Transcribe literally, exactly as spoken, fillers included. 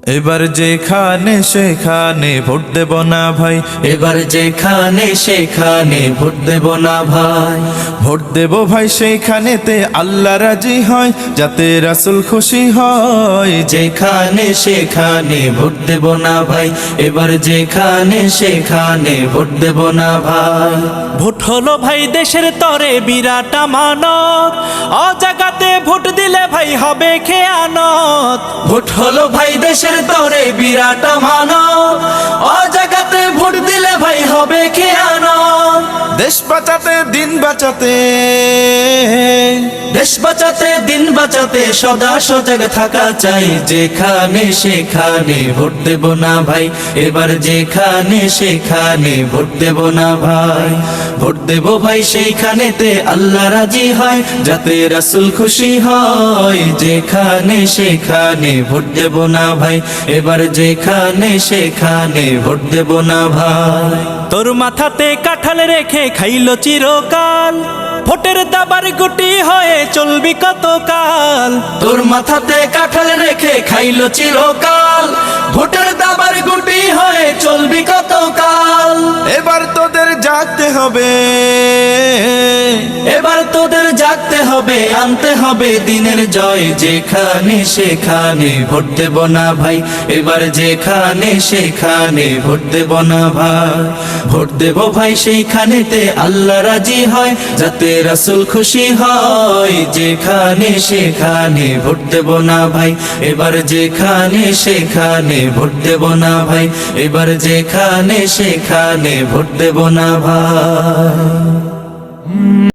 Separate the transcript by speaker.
Speaker 1: এবার যেখানে সেখানে ভোট দেব না ভাই,
Speaker 2: এবার যেখানে সেখানে ভোট দেব না ভাই।
Speaker 1: ভোট দেব ভাই সেইখানেতে আল্লাহ রাজি হয়, যাতে রাসূল খুশি হয়।
Speaker 2: যেখানে সেখানে ভোট দেব না ভাই, এবার যেখানে সেখানে ভোট দেব না ভাই।
Speaker 3: ভোট হলো ভাই দেশের তরে বিরাট আমানত, অজাগাতে ভোট দিলে ভাই হবে খেয়ানত।
Speaker 2: ভোট হলো ভাই দেশের তরে বিরাট আমানত, অজাগাতে ভোট দিলে ভাই হবে খেয়ানত।
Speaker 1: দেশ বাঁচাতে দিন বাঁচাতে,
Speaker 2: দেশ বাঁচাতে দিন বাঁচাতে সদা সজাগ থাকা চাই। যেখানে সেখানে ভোট দেব না ভাই, এবার যেখানে সেখানে ভোট দেব না ভাই। ভোট দেব ভাই সেইখানেতে আল্লাহ রাজি হয়, যাতে রাসূল খুশি হয়। যেখানে সেখানে ভোট দেব না ভাই, এবার যেখানে সেখানে ভোট দেব না ভাই।
Speaker 3: তোর মাথাতে কাঁঠাল রেখে খাইলো চিরকাল, ভোটের দাবার গুটি হয়ে চলবি কতকাল।
Speaker 2: তোর মাথাতে কাঁঠাল রেখে খাইলো চিরকাল, ভোটের দাবার গুটি হয়ে চলবি কতকাল।
Speaker 1: এবার তোদের জাগতে হবে,
Speaker 2: এবার তোদের জাগতে হবে, আনতে হবে দিনের জয়। যেখানে সেখানে ভোট দেব না ভাই, এবার যেখানে সেখানে ভোট দেব না ভাই। ভোট দেব ভাই সেইখানেতে আল্লাহ রাজি হয়, যাতে রাসূল খুশি হয়। যেখানে সেখানে ভোট দেব না ভাই, এবার যেখানে সেখানে ভোট দেব না ভাই। এবার যেখানে সেখানে ভোট দেব না ভাই।